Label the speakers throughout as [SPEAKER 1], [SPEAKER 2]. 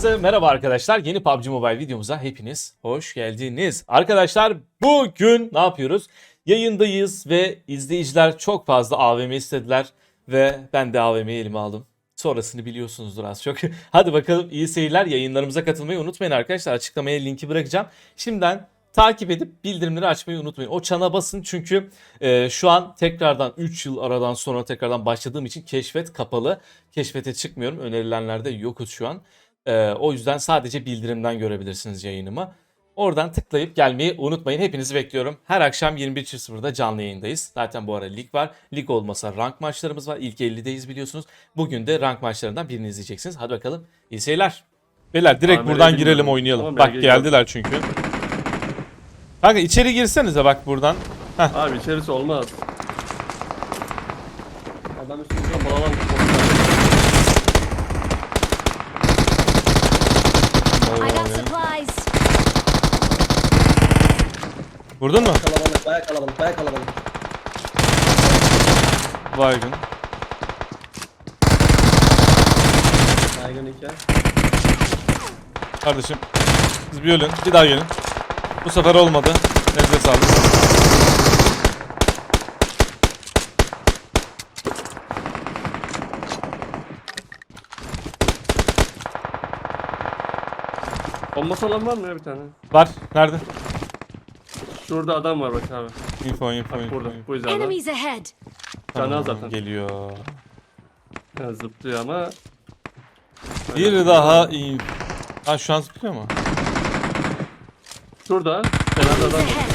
[SPEAKER 1] Herkese merhaba arkadaşlar. Yeni PUBG Mobile videomuza hepiniz hoş geldiniz. Arkadaşlar bugün ne yapıyoruz? Yayındayız ve izleyiciler çok fazla AVM istediler ve ben de AVM'yi elime aldım. Sonrasını biliyorsunuzdur az çok. Hadi bakalım, iyi seyirler. Yayınlarımıza katılmayı unutmayın arkadaşlar. Açıklamaya linki bırakacağım. Şimdiden takip edip bildirimleri açmayı unutmayın. O çana basın çünkü şu an tekrardan 3 yıl aradan sonra tekrardan başladığım için keşfet kapalı. Keşfete çıkmıyorum. Önerilenlerde yokuz şu an. O yüzden sadece bildirimden görebilirsiniz yayınımı. Oradan tıklayıp gelmeyi unutmayın. Hepinizi bekliyorum. Her akşam 21.00'da canlı yayındayız. Zaten bu ara lig var. Lig olmasa rank maçlarımız var. İlk 50'deyiz biliyorsunuz. Bugün de rank maçlarından birini izleyeceksiniz. Hadi bakalım. İyi seyirler. Beyler direkt buradan girelim, oynayalım.
[SPEAKER 2] Tamam,
[SPEAKER 1] bak geldiler çünkü. Kanka içeri girsenize bak buradan. Heh.
[SPEAKER 2] Abi içerisi olmaz.
[SPEAKER 3] Adam üstünde
[SPEAKER 2] Kapalı
[SPEAKER 4] I got supplies.
[SPEAKER 1] Vurdun mu?
[SPEAKER 3] kalabalık, baya kalabalık, baya kalabalık.
[SPEAKER 1] Baygın.
[SPEAKER 3] Baygın iki.
[SPEAKER 1] Kardeşim siz bir ölün. Bir daha gelin. Bu sefer olmadı. Elinize sağlık.
[SPEAKER 2] Bombası olan var mı ya bir tane?
[SPEAKER 1] Var. Nerede?
[SPEAKER 2] Şurada adam var bak abi.
[SPEAKER 1] Info.
[SPEAKER 2] Bak burada. Bu yüzden adam.
[SPEAKER 4] Enemies ahead.
[SPEAKER 2] Canı az zaten.
[SPEAKER 1] Geliyor.
[SPEAKER 2] Yani zıplıyor ama.
[SPEAKER 1] Bir daha in. Ha şu an zıplıyor mu?
[SPEAKER 2] Şurada. Kenarda
[SPEAKER 4] Enemies
[SPEAKER 2] adam var.
[SPEAKER 4] ahead.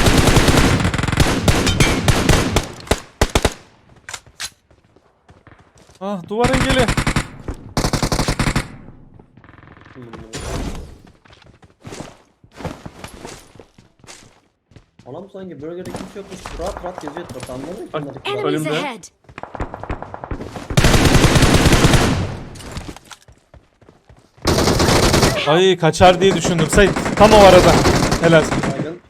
[SPEAKER 1] Ah duvar engeli.
[SPEAKER 3] Anam sanki bölgede kimse yokmuş. Rahat rahat geziyor etrafta, anladın mı?
[SPEAKER 2] Bak,
[SPEAKER 3] Bunlar
[SPEAKER 4] Enemies
[SPEAKER 2] Önümde.
[SPEAKER 4] ahead.
[SPEAKER 1] Ay kaçar diye düşündüm. Sayın tam o arada. Helal.
[SPEAKER 3] baygın.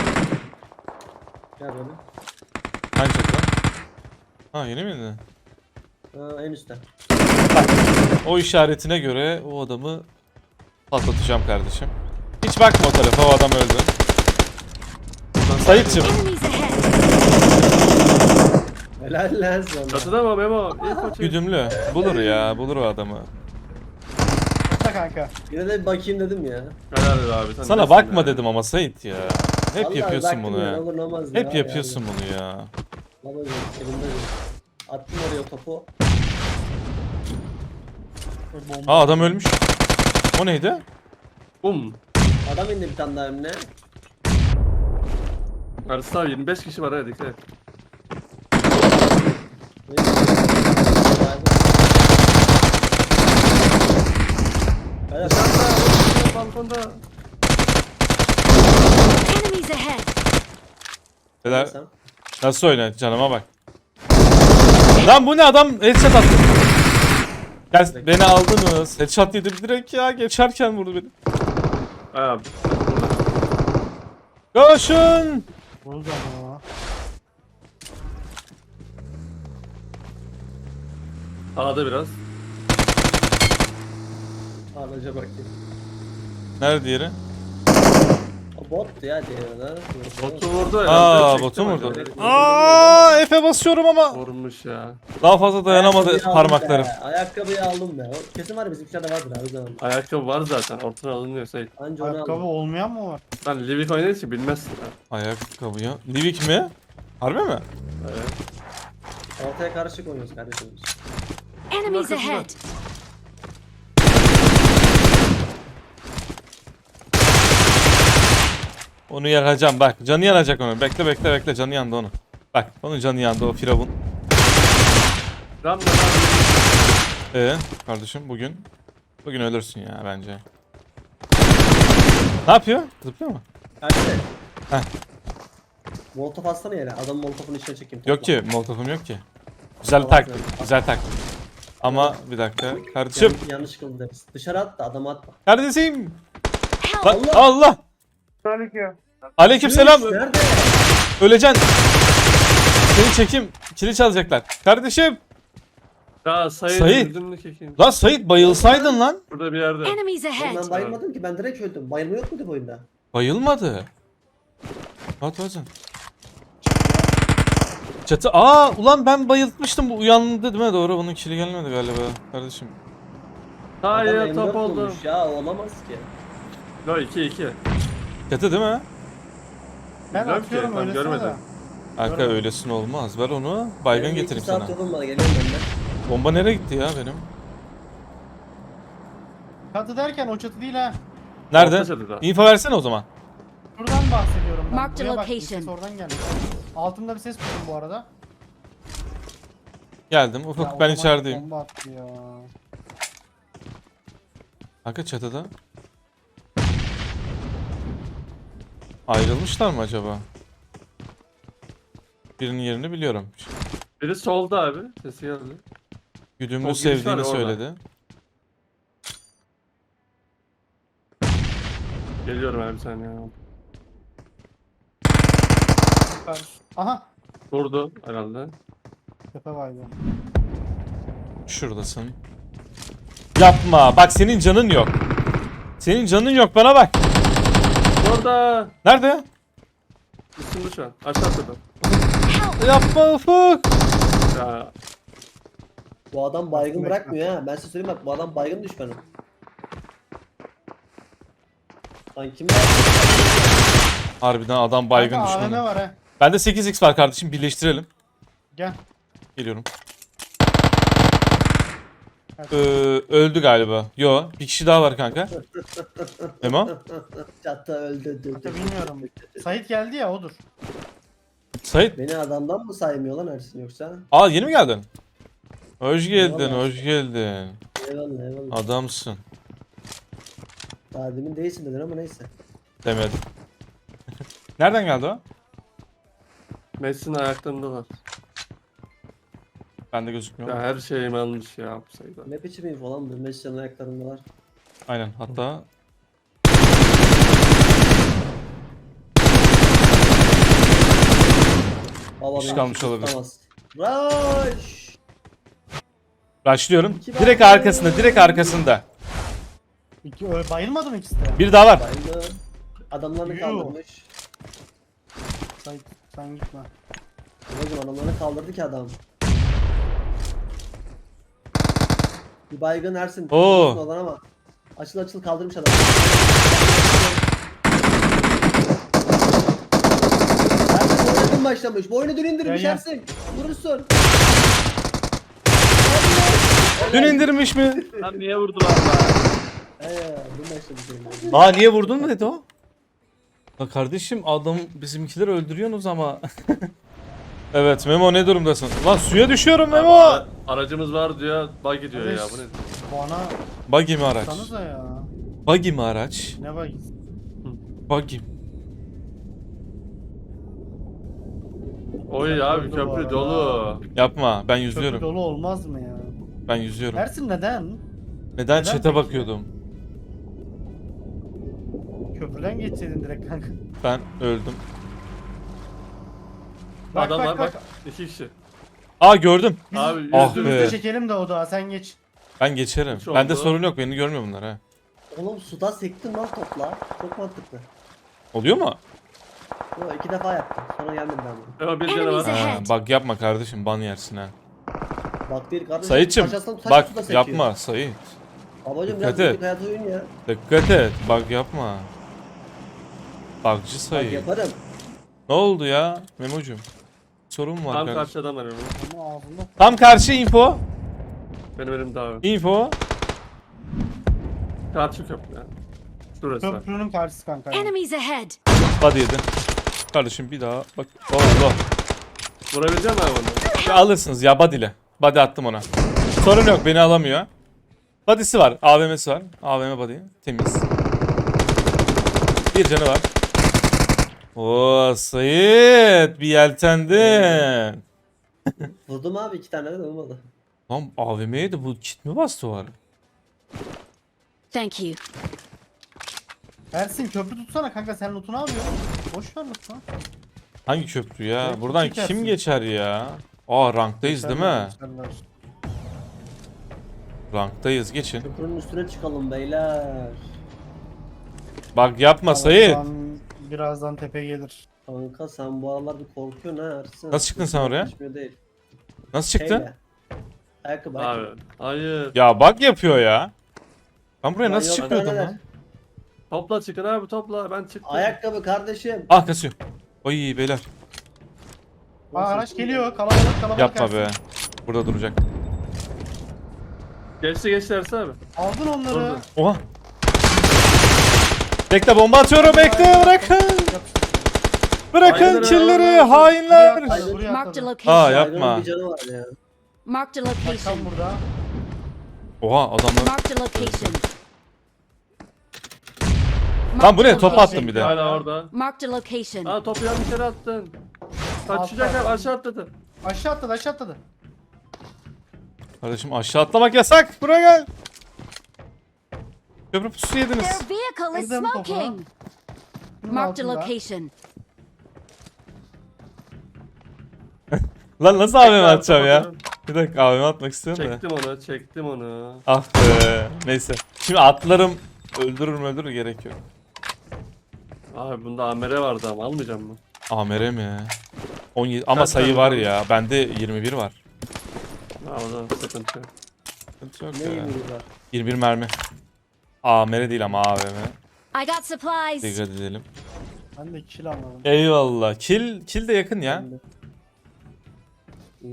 [SPEAKER 3] Gel böyle.
[SPEAKER 1] Hangi çatı? Ha yeni miydi?
[SPEAKER 3] En üstte.
[SPEAKER 1] O işaretine göre o adamı patlatacağım kardeşim. Hiç bakma o tarafa, o adam öldü. Sayitçim.
[SPEAKER 4] Enemies ahead.
[SPEAKER 3] Helal lan sana.
[SPEAKER 2] Çatıda mı Memo? İyi koçum.
[SPEAKER 1] Güdümlü. Bulur ya. Bulur o adamı.
[SPEAKER 5] Kanka.
[SPEAKER 3] Yine de bir bakayım dedim ya.
[SPEAKER 2] Helal be abi. Sen
[SPEAKER 1] Sana
[SPEAKER 2] nesin
[SPEAKER 1] bakma
[SPEAKER 2] ya?
[SPEAKER 1] dedim ama Sait ya. Hep
[SPEAKER 3] Vallahi
[SPEAKER 1] yapıyorsun
[SPEAKER 3] baktım
[SPEAKER 1] bunu ya.
[SPEAKER 3] Olur olmaz ya.
[SPEAKER 1] Hep yapıyorsun bunu ya.
[SPEAKER 3] Vallahi elimde değil. Attım oraya topu.
[SPEAKER 1] Aa adam ölmüş. O neydi?
[SPEAKER 2] Bum.
[SPEAKER 3] Adam indi bir tane daha önüne.
[SPEAKER 2] Karısı abi 25 kişi var hadi dikkat et.
[SPEAKER 3] Helal.
[SPEAKER 2] Dışarıda, balkonda.
[SPEAKER 4] Enemies ahead.
[SPEAKER 1] Beyler
[SPEAKER 3] Sen.
[SPEAKER 1] nasıl oynar canıma bak. Lan bu ne, adam headshot attı. Gel beni aldınız. Headshot yedim direkt ya, geçerken vurdu beni.
[SPEAKER 2] Abi.
[SPEAKER 1] Koşun.
[SPEAKER 5] Bunu da ama.
[SPEAKER 2] Sağda biraz.
[SPEAKER 3] Ağlaca bakayım.
[SPEAKER 1] Nerede diğeri?
[SPEAKER 3] O bot ya diğeri.
[SPEAKER 2] Botu vurdu herhalde.
[SPEAKER 1] Aa
[SPEAKER 2] çekti
[SPEAKER 1] botu
[SPEAKER 2] mi
[SPEAKER 1] vurdu.
[SPEAKER 2] acaba?
[SPEAKER 1] Aa Efe basıyorum ama.
[SPEAKER 2] Vurmuş ya.
[SPEAKER 1] Daha fazla dayanamadı
[SPEAKER 3] Ayakkabıyı aldım
[SPEAKER 1] parmaklarım.
[SPEAKER 3] be, Ayakkabıyı aldım be. O kesin var ya, bizimkilerde vardır abi zaman.
[SPEAKER 2] Ayakkabı var zaten. Ortadan alınıyor Sait.
[SPEAKER 3] Anca onu
[SPEAKER 5] Ayakkabı
[SPEAKER 3] aldım.
[SPEAKER 5] olmayan mı var?
[SPEAKER 2] Sen Livik oynadığın için bilmezsin ha.
[SPEAKER 1] Ayakkabı ya. Livik mi? Harbi mi?
[SPEAKER 2] Evet.
[SPEAKER 3] Ortaya karışık oynuyoruz kardeşim.
[SPEAKER 4] Enemies
[SPEAKER 2] Arkasında.
[SPEAKER 4] ahead.
[SPEAKER 1] Onu yakacağım bak. Canı yanacak onu. Bekle canı yandı onu. Bak onun canı yandı o firavun.
[SPEAKER 2] Ram da
[SPEAKER 1] Kardeşim bugün ölürsün ya bence. Ne yapıyor? Zıplıyor mu?
[SPEAKER 3] Kaçtı.
[SPEAKER 1] Heh.
[SPEAKER 3] Molotof atsana yere. Adamın molotofunu içine çekeyim.
[SPEAKER 1] Yok ki, molotofum yok ki. Güzel taktik, güzel taktik. Ama bir dakika kardeşim.
[SPEAKER 3] Yanlış kıldı deriz. Dışarı at da adamı atma.
[SPEAKER 1] Kardeşim.
[SPEAKER 4] Help.
[SPEAKER 1] Lan, Allah. Aleykümselam.
[SPEAKER 3] Nerede?
[SPEAKER 1] Öleceksin. Seni çekeyim. Kili çalacaklar. Kardeşim.
[SPEAKER 2] Ya Sait.
[SPEAKER 1] Sait.
[SPEAKER 2] Öldün kekeyim.
[SPEAKER 1] Lan Sait bayılsaydın lan.
[SPEAKER 2] Burada bir yerde.
[SPEAKER 4] Enemies ahead!
[SPEAKER 3] Ben bayılmadım ki, ben direkt öldüm. Bayılma yok muydu bu oyunda?
[SPEAKER 1] Bayılmadı. At hocam. Çatı. Aa ulan ben bayıltmıştım, bu uyandı değil mi? Doğru, bunun kili gelmedi galiba kardeşim.
[SPEAKER 3] Adam
[SPEAKER 2] Hayır
[SPEAKER 3] M4
[SPEAKER 2] top oldu.
[SPEAKER 3] bulmuş ya, olamaz ki.
[SPEAKER 2] Yo 2-2.
[SPEAKER 1] Çatı değil mi?
[SPEAKER 5] Ben
[SPEAKER 2] Bilmiyorum ki,
[SPEAKER 5] atıyorum
[SPEAKER 2] ben
[SPEAKER 5] öylesine
[SPEAKER 2] görmedim.
[SPEAKER 5] de.
[SPEAKER 1] Arka
[SPEAKER 5] Görmedim.
[SPEAKER 1] öylesin olmaz. Ver onu. Baygın
[SPEAKER 3] Benim
[SPEAKER 1] getireyim
[SPEAKER 3] 2 saat
[SPEAKER 1] sana.
[SPEAKER 3] yolum var, geliyorum ben de.
[SPEAKER 1] Bomba nereye gitti ya benim?
[SPEAKER 5] Çatı derken o çatı değil ha.
[SPEAKER 1] Nerede?
[SPEAKER 2] Orta çatıda.
[SPEAKER 1] İnfo versene o zaman.
[SPEAKER 5] Şuradan bahsediyorum ben.
[SPEAKER 4] Mark the
[SPEAKER 5] Buraya bak,
[SPEAKER 4] location.
[SPEAKER 5] ses oradan geldi. Altında bir ses duydum bu arada.
[SPEAKER 1] Geldim.
[SPEAKER 5] Ya,
[SPEAKER 1] Ufuk ben
[SPEAKER 5] otomatik
[SPEAKER 1] içerideyim.
[SPEAKER 5] Bomba attı ya.
[SPEAKER 1] Arka çatıda. Ayrılmışlar mı acaba? Birinin yerini biliyorum.
[SPEAKER 2] Biri solda abi. Sesi geldi.
[SPEAKER 1] Güdümlü
[SPEAKER 2] O giriş var ya
[SPEAKER 1] sevdiğini
[SPEAKER 2] orada.
[SPEAKER 1] söyledi.
[SPEAKER 2] Geliyorum abi bir saniye.
[SPEAKER 5] Süper. Aha.
[SPEAKER 2] Vurdu herhalde.
[SPEAKER 5] Tepe vardı.
[SPEAKER 1] Şuradasın. Yapma. Bak senin canın yok. Senin canın yok, bana bak.
[SPEAKER 2] Orada.
[SPEAKER 1] Nerede?
[SPEAKER 2] Üstünde şu an. Aşağı atladım.
[SPEAKER 1] Yapma Ufuk.
[SPEAKER 2] Ya.
[SPEAKER 3] Bu adam baygın
[SPEAKER 5] Bekle.
[SPEAKER 3] bırakmıyor ha. Ben size söyleyeyim bak, bu adam baygın düşmanım. Lan kim var?
[SPEAKER 1] Harbiden adam baygın
[SPEAKER 5] Kanka, AVM
[SPEAKER 1] düşmanı.
[SPEAKER 5] var ha.
[SPEAKER 1] Bende 8x var kardeşim, birleştirelim.
[SPEAKER 5] Gel.
[SPEAKER 1] Geliyorum. Öldü galiba. Yo, bir kişi daha var kanka. Memo.
[SPEAKER 3] Çatı öldü.
[SPEAKER 5] Hatta bilmiyorum. Sait geldi ya, odur.
[SPEAKER 1] Sait.
[SPEAKER 3] Beni adamdan mı saymıyor lan Ersin yoksa?
[SPEAKER 1] Aa yeni mi geldin? Hoş geldin,
[SPEAKER 3] Eyvallah.
[SPEAKER 1] hoş geldin.
[SPEAKER 3] Eyvallah eyvallah.
[SPEAKER 1] Adamsın.
[SPEAKER 3] Daha demin değilsin dedin ama neyse.
[SPEAKER 1] Demedim. Nereden geldi o?
[SPEAKER 2] Messi'nin ayaklarındalar.
[SPEAKER 1] Bende gözükmüyor.
[SPEAKER 2] Ya her şeyim almış ya bu sayıda.
[SPEAKER 3] Ne biçim info lan bu? Messi'nin ayaklarında var.
[SPEAKER 1] Aynen, hatta
[SPEAKER 3] Baba
[SPEAKER 1] İş
[SPEAKER 3] beni
[SPEAKER 1] kalmış
[SPEAKER 3] kimse
[SPEAKER 1] olabilir.
[SPEAKER 3] tutamaz. Rush!
[SPEAKER 1] başlıyorum.
[SPEAKER 3] İki
[SPEAKER 1] Direkt
[SPEAKER 3] var.
[SPEAKER 1] arkasında, direkt arkasında.
[SPEAKER 5] Bayılmadı mı ikisi de?
[SPEAKER 1] Bir daha var.
[SPEAKER 3] Bayıldı. Adamlarını
[SPEAKER 5] Yuh.
[SPEAKER 3] kaldırmış.
[SPEAKER 5] Sait sen gitme.
[SPEAKER 3] Babacım adamlarını kaldırdı ki adam. Bir baygın Ersin.
[SPEAKER 1] Oo.
[SPEAKER 3] Kurtulsun oradan ama. Açıl açıl kaldırmış adam. Ersin bu oyuna dün başlamış. Bu oyunu dün indirmiş
[SPEAKER 5] Ya, ya.
[SPEAKER 3] Ersin. Vurursun.
[SPEAKER 1] Dün indirmiş mi?
[SPEAKER 2] Lan niye vurdular lan?
[SPEAKER 3] Dün başlamış oyun.
[SPEAKER 1] Aa niye vurdun mu dedi o? Ya kardeşim adam bizimkileri öldürüyorsunuz ama. Evet Memo, ne durumdasın? Lan suya düşüyorum Memo.
[SPEAKER 2] Aracımız var diyor. Bug gidiyor ya bu ne?
[SPEAKER 5] Bana
[SPEAKER 1] Buggy mi araç?
[SPEAKER 5] sanıza ya.
[SPEAKER 1] Buggy mi araç?
[SPEAKER 5] Ne var?
[SPEAKER 1] Buggy.
[SPEAKER 2] Oy abi
[SPEAKER 5] Köprü bu
[SPEAKER 2] köprü
[SPEAKER 5] arada.
[SPEAKER 2] dolu.
[SPEAKER 1] Yapma, ben
[SPEAKER 5] Köprü
[SPEAKER 1] yüzüyorum.
[SPEAKER 5] dolu olmaz mı ya?
[SPEAKER 1] Ben yüzüyorum.
[SPEAKER 5] Ersin neden?
[SPEAKER 1] Neden chat'e
[SPEAKER 5] peki?
[SPEAKER 1] bakıyordum?
[SPEAKER 5] Köprüden geçseydin direkt kanka.
[SPEAKER 1] Ben öldüm.
[SPEAKER 5] Bak,
[SPEAKER 2] Adam
[SPEAKER 5] bak,
[SPEAKER 2] var
[SPEAKER 5] bak.
[SPEAKER 2] bak. 2 kişi.
[SPEAKER 1] Aa gördüm.
[SPEAKER 5] Biz
[SPEAKER 2] Abi
[SPEAKER 1] Ah
[SPEAKER 5] üstümüzde
[SPEAKER 1] be.
[SPEAKER 5] çekelim de o da sen geç.
[SPEAKER 1] Ben geçerim.
[SPEAKER 2] Hiç
[SPEAKER 1] Bende
[SPEAKER 2] oldu.
[SPEAKER 1] sorun yok. Beni görmüyor bunlar ha.
[SPEAKER 3] Oğlum suda sektin lan topla. Çok mantıklı.
[SPEAKER 1] Oluyor mu?
[SPEAKER 3] Yo, 2 defa yaptım. Sonra gelmedi ben bunu.
[SPEAKER 2] Ama bir tane
[SPEAKER 4] Enemies
[SPEAKER 2] var.
[SPEAKER 1] Ha,
[SPEAKER 4] ahead!
[SPEAKER 1] bak yapma kardeşim, ban yersin ha.
[SPEAKER 3] Bak değil kardeşim.
[SPEAKER 1] Sayitçim
[SPEAKER 3] taşasından taş
[SPEAKER 1] bak
[SPEAKER 3] suda sekiyor.
[SPEAKER 1] yapma Sayit.
[SPEAKER 3] Babacım
[SPEAKER 1] Dikkat
[SPEAKER 3] biraz
[SPEAKER 1] et.
[SPEAKER 3] günlük hayat oyun ya.
[SPEAKER 1] Dikkat et. Bak yapma. Bakcı
[SPEAKER 3] Bak
[SPEAKER 1] Sayit.
[SPEAKER 3] yaparım.
[SPEAKER 1] Ne oldu ya Memo'cum? Sorun mu var
[SPEAKER 2] Tam
[SPEAKER 1] kardeşim?
[SPEAKER 2] karşı adam var önümde.
[SPEAKER 5] Ama ağzında.
[SPEAKER 1] Tam karşı info.
[SPEAKER 2] Benim elimde abi.
[SPEAKER 1] Info.
[SPEAKER 2] Karşı köprü ya. Şurası.
[SPEAKER 5] Köprünün karşısı kanka. Yani.
[SPEAKER 4] Enemies ahead!
[SPEAKER 1] Body yedi. Kardeşim bir daha bak. Allah.
[SPEAKER 2] Vurabilecek misin abi onu?
[SPEAKER 1] Ya alırsınız ya body'le. Body attım ona. Sorun yok, beni alamıyor. Body'si var. AVM'si var. AVM body. Temiz. Bir canı var. Oo Sayit. Bir yeltendin.
[SPEAKER 3] Vurdum abi 2 tane de olmadı.
[SPEAKER 1] Lan AVM'ye de bu kit mi bastı var?
[SPEAKER 4] Thank you.
[SPEAKER 5] Ersin köprü tutsana kanka, sen lootunu alıyorsun. Boş ver lootunu.
[SPEAKER 1] Hangi köprü ya?
[SPEAKER 5] Evet,
[SPEAKER 1] Buradan
[SPEAKER 5] çekersin.
[SPEAKER 1] kim geçer ya? Aa ranktayız değil mi?
[SPEAKER 5] Geçerler.
[SPEAKER 1] Ranktayız, geçin.
[SPEAKER 3] Köprünün üstüne çıkalım beyler.
[SPEAKER 1] Bak yapma Sayit.
[SPEAKER 5] Birazdan tepe gelir.
[SPEAKER 3] Kanka sen bu aralar bir korkuyorsun ha Ersin.
[SPEAKER 1] Nasıl çıktın sen oraya?
[SPEAKER 3] Geçmiyor değil.
[SPEAKER 1] Nasıl çıktın?
[SPEAKER 3] Şeyle. Ayakkabı.
[SPEAKER 2] Abi. Hayır.
[SPEAKER 1] Ya bak yapıyor ya. Ben buraya
[SPEAKER 3] Lan
[SPEAKER 1] nasıl
[SPEAKER 3] yok,
[SPEAKER 1] çıkıyordum
[SPEAKER 3] neler?
[SPEAKER 1] lan?
[SPEAKER 2] Topla çıkın abi topla. Ben çıktım.
[SPEAKER 3] Ayakkabı kardeşim.
[SPEAKER 1] Ah kasıyor. Oy beyler.
[SPEAKER 5] Araç geliyor. Kalabalık
[SPEAKER 1] Yapma
[SPEAKER 5] Ersin.
[SPEAKER 1] be. Burada duracak.
[SPEAKER 2] Geçti Ersin abi.
[SPEAKER 5] Aldın onları.
[SPEAKER 2] Durdu.
[SPEAKER 1] Oha. Bekle bomba atıyorum, bekle, bırakın. Bırakın
[SPEAKER 2] Hainler,
[SPEAKER 1] killeri,
[SPEAKER 2] hainler.
[SPEAKER 1] hainler.
[SPEAKER 5] Buraya
[SPEAKER 4] Marked a
[SPEAKER 5] atladı.
[SPEAKER 1] Aa
[SPEAKER 4] location.
[SPEAKER 1] yapma.
[SPEAKER 3] Hayvanın bir canı var ya.
[SPEAKER 4] Marked a
[SPEAKER 5] Bak tam
[SPEAKER 4] location.
[SPEAKER 5] burada.
[SPEAKER 1] Oha adamlar.
[SPEAKER 4] Marked a location.
[SPEAKER 1] Lan bu ne,
[SPEAKER 4] Marked a
[SPEAKER 1] top
[SPEAKER 4] location.
[SPEAKER 1] attım bir de.
[SPEAKER 2] Hala orada.
[SPEAKER 4] Marked a location.
[SPEAKER 2] Aa topu yanlış yere attın. Kaçacak abi aşağı atladı.
[SPEAKER 5] Aşağı atladı.
[SPEAKER 1] Kardeşim aşağı atlamak yasak. Buraya gel. Köprü pusu yediniz.
[SPEAKER 4] Their vehicle is
[SPEAKER 5] Kırdım topu.
[SPEAKER 4] smoking.
[SPEAKER 5] Bunun
[SPEAKER 4] Marked a
[SPEAKER 5] altında.
[SPEAKER 4] location.
[SPEAKER 1] Lan nasıl AVM atacağım ya? Bir dakika AVM atmak istiyorum da.
[SPEAKER 2] Çektim onu.
[SPEAKER 1] Ah be. Neyse. Şimdi atlarım. Öldürür gerek yok.
[SPEAKER 2] Abi bunda amere vardı ama almayacağım mı?
[SPEAKER 1] AMR mi? 17 ama
[SPEAKER 2] Kaç
[SPEAKER 1] sayı
[SPEAKER 2] tane
[SPEAKER 1] var
[SPEAKER 2] var?
[SPEAKER 1] ya. Bende 21 var.
[SPEAKER 2] Ha o zaman sıkıntı yok.
[SPEAKER 1] Sıkıntı yok
[SPEAKER 3] Ne
[SPEAKER 1] ya.
[SPEAKER 3] yemeği var?
[SPEAKER 1] 21 mermi. AMR değil ama AVM.
[SPEAKER 4] I got supplies.
[SPEAKER 1] Dikkat edelim.
[SPEAKER 5] Ben de kill almadım.
[SPEAKER 1] Eyvallah. Kill de yakın ya.
[SPEAKER 3] Oo.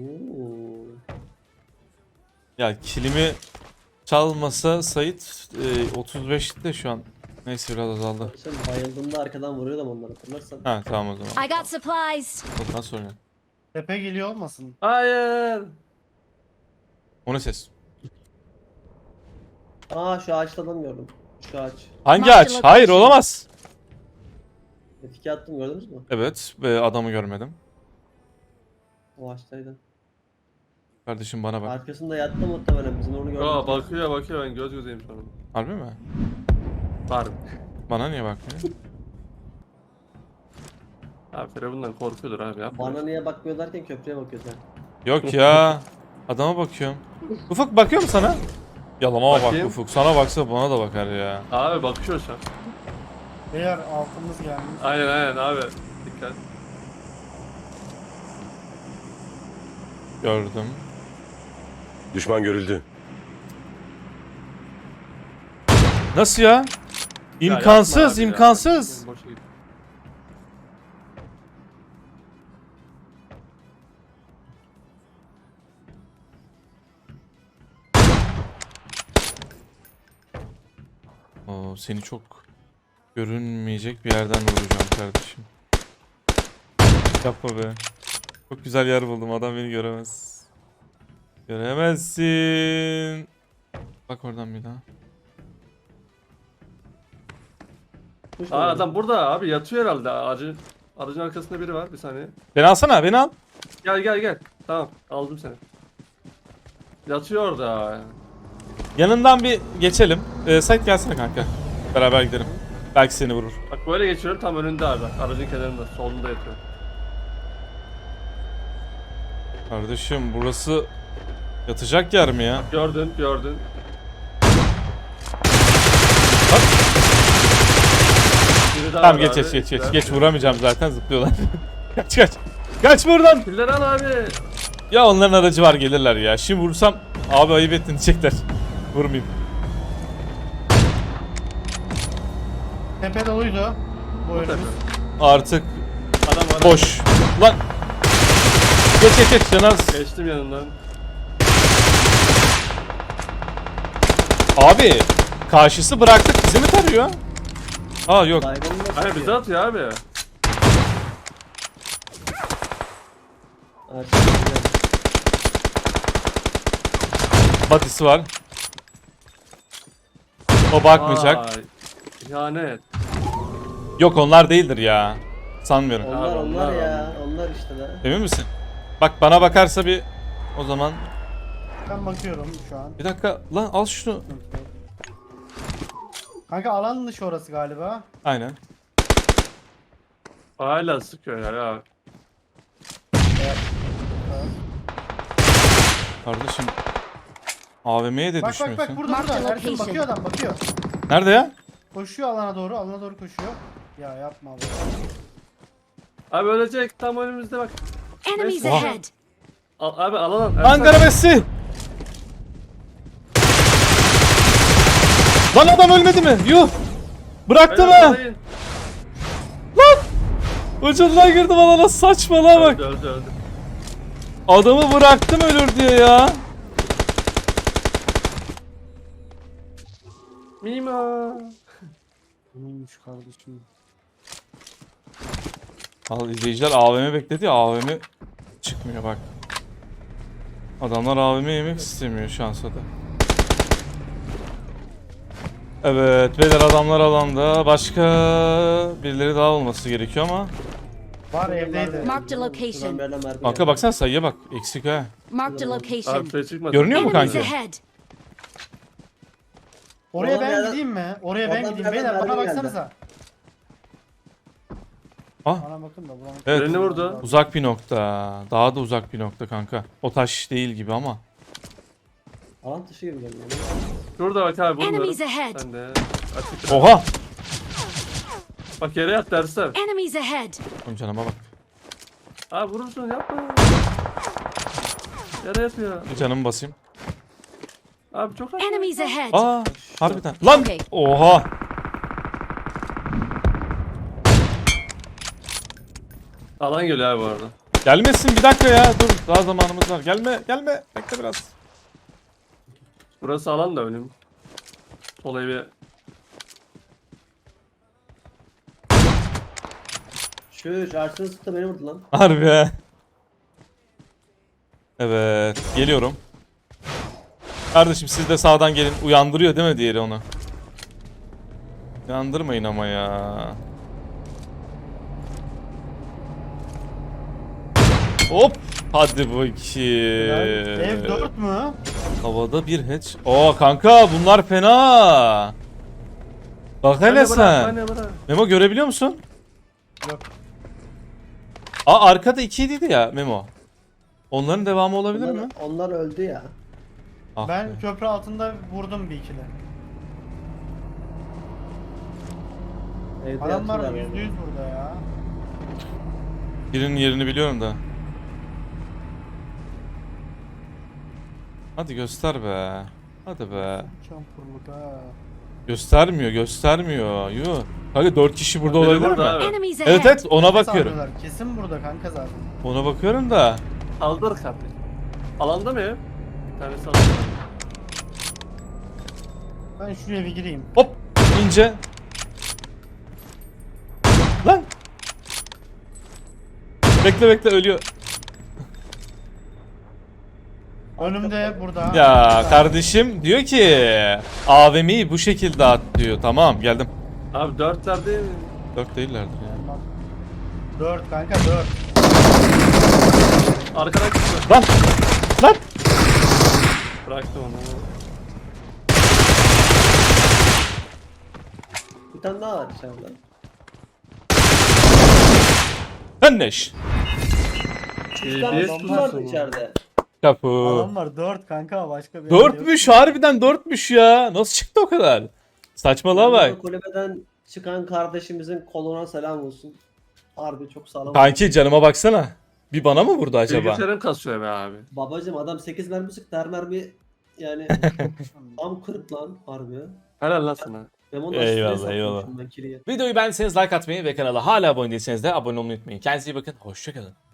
[SPEAKER 1] Ya killimi çalmasa Sait 35'te şu an. Neyse biraz azaldı.
[SPEAKER 3] Sen bayıldığında arkadan vuruyordum onları hatırlarsan.
[SPEAKER 1] Ha tamam o zaman.
[SPEAKER 4] I got supplies.
[SPEAKER 1] Ondan sonra.
[SPEAKER 5] Tepe geliyor olmasın?
[SPEAKER 2] Hayır.
[SPEAKER 1] O ne ses?
[SPEAKER 3] Aa şu ağaçta adam gördüm. Şu ağaç.
[SPEAKER 1] Hangi
[SPEAKER 4] Mark
[SPEAKER 1] ağaç?
[SPEAKER 4] the
[SPEAKER 1] Hayır
[SPEAKER 4] location.
[SPEAKER 1] olamaz.
[SPEAKER 3] Etki attım gördünüz mü?
[SPEAKER 1] Evet ve adamı görmedim.
[SPEAKER 3] O ağaçtaydı.
[SPEAKER 1] Kardeşim bana bak.
[SPEAKER 3] Arkasında yattı muhtemelen bizim onu gördük.
[SPEAKER 2] Aa bakıyor ben göz gözeyim şu an.
[SPEAKER 1] Harbi mi?
[SPEAKER 2] Var.
[SPEAKER 1] Bana niye bakmıyor?
[SPEAKER 2] Abi Firavun'dan korkuyordur abi yapma.
[SPEAKER 3] Bana niye bakmıyor derken köprüye bakıyor sen.
[SPEAKER 1] Yok ya. Adama bakıyorum. Ufuk bakıyor mu sana? Yalama bak
[SPEAKER 2] Bakayım.
[SPEAKER 1] Ufuk. Sana baksa bana da bakar ya.
[SPEAKER 2] Abi bakıyor şu an.
[SPEAKER 5] Beyler altımız gelmiş.
[SPEAKER 2] Aynen abi. Dikkat.
[SPEAKER 1] Gördüm.
[SPEAKER 6] Düşman görüldü.
[SPEAKER 1] Nasıl ya?
[SPEAKER 2] Ya
[SPEAKER 1] İmkansız,
[SPEAKER 2] yapma abi ya.
[SPEAKER 1] imkansız.
[SPEAKER 2] Boşa git.
[SPEAKER 1] Oo, seni çok görünmeyecek bir yerden vuracağım kardeşim. Yapma be. Çok güzel yer buldum. Adam beni göremez. Göremezsin. Bak oradan bir daha.
[SPEAKER 3] Kuş
[SPEAKER 2] Aa
[SPEAKER 3] mu
[SPEAKER 2] adam burada abi yatıyor herhalde. Aracın arkasında biri var bir saniye.
[SPEAKER 1] Beni alsana, beni al.
[SPEAKER 2] Gel. Tamam aldım seni. Yatıyor orada.
[SPEAKER 1] Yanından bir geçelim. Sait gelsene kanka. Beraber gidelim. Belki seni vurur.
[SPEAKER 2] Bak böyle geçiyorum tam önünde abi. Aracın kenarında solunda yatıyor.
[SPEAKER 1] Kardeşim burası yatacak yer mi ya?
[SPEAKER 2] Gördün.
[SPEAKER 1] Bak.
[SPEAKER 2] Biri daha
[SPEAKER 1] Tamam
[SPEAKER 2] var
[SPEAKER 1] geç
[SPEAKER 2] abi.
[SPEAKER 1] geç vuramayacağım zaten zıplıyorlar. kaç. Kaç buradan.
[SPEAKER 2] Pilleri al abi.
[SPEAKER 1] Ya onların aracı var gelirler ya. Şimdi vursam abi ayıp ettin diyecekler. Vurmayayım.
[SPEAKER 5] Tepe doluydu. Bu
[SPEAKER 2] Tabii.
[SPEAKER 5] önümüz.
[SPEAKER 1] Artık
[SPEAKER 2] Adam var.
[SPEAKER 1] boş. Lan. Geç Canaz.
[SPEAKER 2] Geçtim yanından.
[SPEAKER 1] Abi karşısı bıraktık bizi mi tarıyor? Aa yok.
[SPEAKER 3] Baygınlık
[SPEAKER 2] Hayır bize atıyor abi.
[SPEAKER 1] Batisi var. O bakmayacak.
[SPEAKER 2] Vay, İhanet.
[SPEAKER 1] Yok onlar değildir ya. Sanmıyorum.
[SPEAKER 3] Onlar
[SPEAKER 2] onlar,
[SPEAKER 3] ya. Onlar işte be.
[SPEAKER 1] Emin misin? Bak bana bakarsa bir o zaman
[SPEAKER 5] Ben bakıyorum şu an.
[SPEAKER 1] bir dakika lan al şunu.
[SPEAKER 5] Kanka alan dışı orası galiba.
[SPEAKER 1] Aynen.
[SPEAKER 2] Hala sıkıyor ya.
[SPEAKER 1] Kardeşim AVM'ye de
[SPEAKER 5] Bak
[SPEAKER 1] düşmüyorsun.
[SPEAKER 5] bak bak burada
[SPEAKER 4] Mark
[SPEAKER 5] burada.
[SPEAKER 4] the
[SPEAKER 5] Ersin
[SPEAKER 4] location.
[SPEAKER 5] bakıyor adam bakıyor.
[SPEAKER 1] Nerede ya?
[SPEAKER 5] Koşuyor alana doğru koşuyor. Ya yapma abi.
[SPEAKER 2] Abi ölecek tam önümüzde bak.
[SPEAKER 4] Enemies
[SPEAKER 2] Oha.
[SPEAKER 4] ahead.
[SPEAKER 2] Abi alalım.
[SPEAKER 1] Ankara Messi. Lan adam ölmedi mi? Yuh. Bıraktı mı? Ucundan girdim alana, saçmalığa bak.
[SPEAKER 2] Öldü.
[SPEAKER 1] Adamı bıraktım ölür diye ya.
[SPEAKER 2] Mima.
[SPEAKER 5] Neymiş kardeşim.
[SPEAKER 1] Al, izleyiciler AVM bekledi ya, AVM çıkmıyor bak. Adamlar AVM yemek istemiyor şansa da. Evet beyler, adamlar alanda. Başka birileri daha olması gerekiyor ama.
[SPEAKER 5] Var evdeydi.
[SPEAKER 4] Marked a location.
[SPEAKER 3] Şuradan bir yerden mermi
[SPEAKER 1] Kanka
[SPEAKER 3] geldi.
[SPEAKER 1] baksana sayıya bak, eksik ha.
[SPEAKER 4] Marked a
[SPEAKER 2] Abi
[SPEAKER 4] location.
[SPEAKER 2] şey çıkmadı.
[SPEAKER 1] Görünüyor mu
[SPEAKER 4] Enemies
[SPEAKER 1] kanki?
[SPEAKER 4] ahead.
[SPEAKER 5] Oraya
[SPEAKER 3] Oradan
[SPEAKER 5] ben
[SPEAKER 3] bir
[SPEAKER 5] gideyim mi? Oraya ben
[SPEAKER 3] oradan
[SPEAKER 5] gideyim
[SPEAKER 3] bir
[SPEAKER 5] beyler
[SPEAKER 3] yerden
[SPEAKER 5] bana
[SPEAKER 3] mermi geldi.
[SPEAKER 5] baksanıza.
[SPEAKER 1] Ah,
[SPEAKER 5] Bana bakın da bulamadım.
[SPEAKER 1] evet.
[SPEAKER 2] Birini vurdu.
[SPEAKER 1] Uzak bir nokta. Daha da uzak bir nokta kanka. O taş değil gibi ama.
[SPEAKER 3] Alan dışı gibi geliyor.
[SPEAKER 2] Şurada bak abi bunları.
[SPEAKER 4] Enemies ahead.
[SPEAKER 2] Ben de açık.
[SPEAKER 1] Oha!
[SPEAKER 2] Bak yere yat dersem.
[SPEAKER 4] Enemies ahead.
[SPEAKER 1] Oğlum canıma bak.
[SPEAKER 2] Abi vurursun yapma. Yere yatıyor.
[SPEAKER 1] Bir canımı basayım.
[SPEAKER 2] Abi çok az.
[SPEAKER 4] Enemies ahead.
[SPEAKER 1] Aa, harbiden. Lan!
[SPEAKER 4] Okey.
[SPEAKER 1] Oha!
[SPEAKER 2] Alan geliyor abi bu arada.
[SPEAKER 1] Gelmesin, bir dakika ya. Dur, daha zamanımız var. Gelme. Bekle biraz.
[SPEAKER 2] Burası alan da önüm. Sol evi.
[SPEAKER 3] Şu Ersin'in sıktı beni vurdu lan.
[SPEAKER 1] Harbi ya. Evet, geliyorum. Kardeşim siz de sağdan gelin. Uyandırıyor değil mi diğeri onu? Uyandırmayın ama ya. Hop! Hadi bakayım.
[SPEAKER 5] Ev 4 mü?
[SPEAKER 1] Havada bir hatch. Oo kanka bunlar fena. Bak hele sen.
[SPEAKER 2] Bırak.
[SPEAKER 1] Memo görebiliyor musun?
[SPEAKER 5] Yok.
[SPEAKER 1] Aa arkada 2'ydi ya Memo. Onların devamı olabilir mi?
[SPEAKER 3] Onlar öldü ya.
[SPEAKER 1] Ah
[SPEAKER 5] Ben
[SPEAKER 1] be.
[SPEAKER 5] köprü altında vurdum bir ikili.
[SPEAKER 3] Evde
[SPEAKER 5] Adamlar
[SPEAKER 3] yatıyorlar
[SPEAKER 5] %100
[SPEAKER 3] yani.
[SPEAKER 5] burada ya.
[SPEAKER 1] Birinin yerini biliyorum da. Hadi göster be. Hadi be.
[SPEAKER 5] Çampurluk ha.
[SPEAKER 1] Göstermiyor. Yuh. Kanka 4 kişi burada
[SPEAKER 2] Biri
[SPEAKER 1] olabilir
[SPEAKER 2] burada
[SPEAKER 1] mi?
[SPEAKER 2] abi.
[SPEAKER 4] Enemies ahead.
[SPEAKER 1] Evet ona
[SPEAKER 5] Nefes
[SPEAKER 1] bakıyorum.
[SPEAKER 5] alıyorlar. Kesin burada kanka zaten.
[SPEAKER 1] Ona bakıyorum da.
[SPEAKER 2] Kaldır kapıyı. Alanda mı ev? Bir tanesi alanda.
[SPEAKER 5] Ben şuraya bir gireyim.
[SPEAKER 1] Hop ince. Lan. Bekle ölüyor.
[SPEAKER 5] Önümde burada.
[SPEAKER 1] Ya kardeşim diyor ki AVM'yi bu şekilde at diyor. Tamam geldim.
[SPEAKER 2] Abi 4'ler değil mi?
[SPEAKER 1] 4 değillerdir ya.
[SPEAKER 5] 4 kanka 4.
[SPEAKER 2] Arkadan çıkıyor.
[SPEAKER 1] Lan.
[SPEAKER 2] Bıraktım onu.
[SPEAKER 3] Bir tane daha var içeride.
[SPEAKER 1] Önleş.
[SPEAKER 3] Bir tane
[SPEAKER 2] TBS
[SPEAKER 3] su vardı
[SPEAKER 2] pusu.
[SPEAKER 3] içeride.
[SPEAKER 1] Kapı.
[SPEAKER 5] Adamlar 4 kanka başka bir yer yok.
[SPEAKER 1] 4'müş harbiden 4'müş ya. Nasıl çıktı o kadar? Saçmalığa bak.
[SPEAKER 3] Kulübeden çıkan kardeşimizin koluna selam olsun. Harbi çok sağlam.
[SPEAKER 1] Kanki canıma baksana. Bir bana mı vurdu acaba?
[SPEAKER 2] Bilgisayarım kasıyor be abi.
[SPEAKER 3] Babacım adam 8 mermi sıktı, her mermi yani tam kırık lan harbi.
[SPEAKER 2] Helal lan sana.
[SPEAKER 3] Memo'nun
[SPEAKER 1] Eyvallah,
[SPEAKER 3] üstüne
[SPEAKER 1] eyvallah.
[SPEAKER 3] satmışım ben kiliyi.
[SPEAKER 1] Videoyu beğendiyseniz like atmayı ve kanala hala abone değilseniz de abone olmayı unutmayın. Kendinize iyi bakın. Hoşçakalın.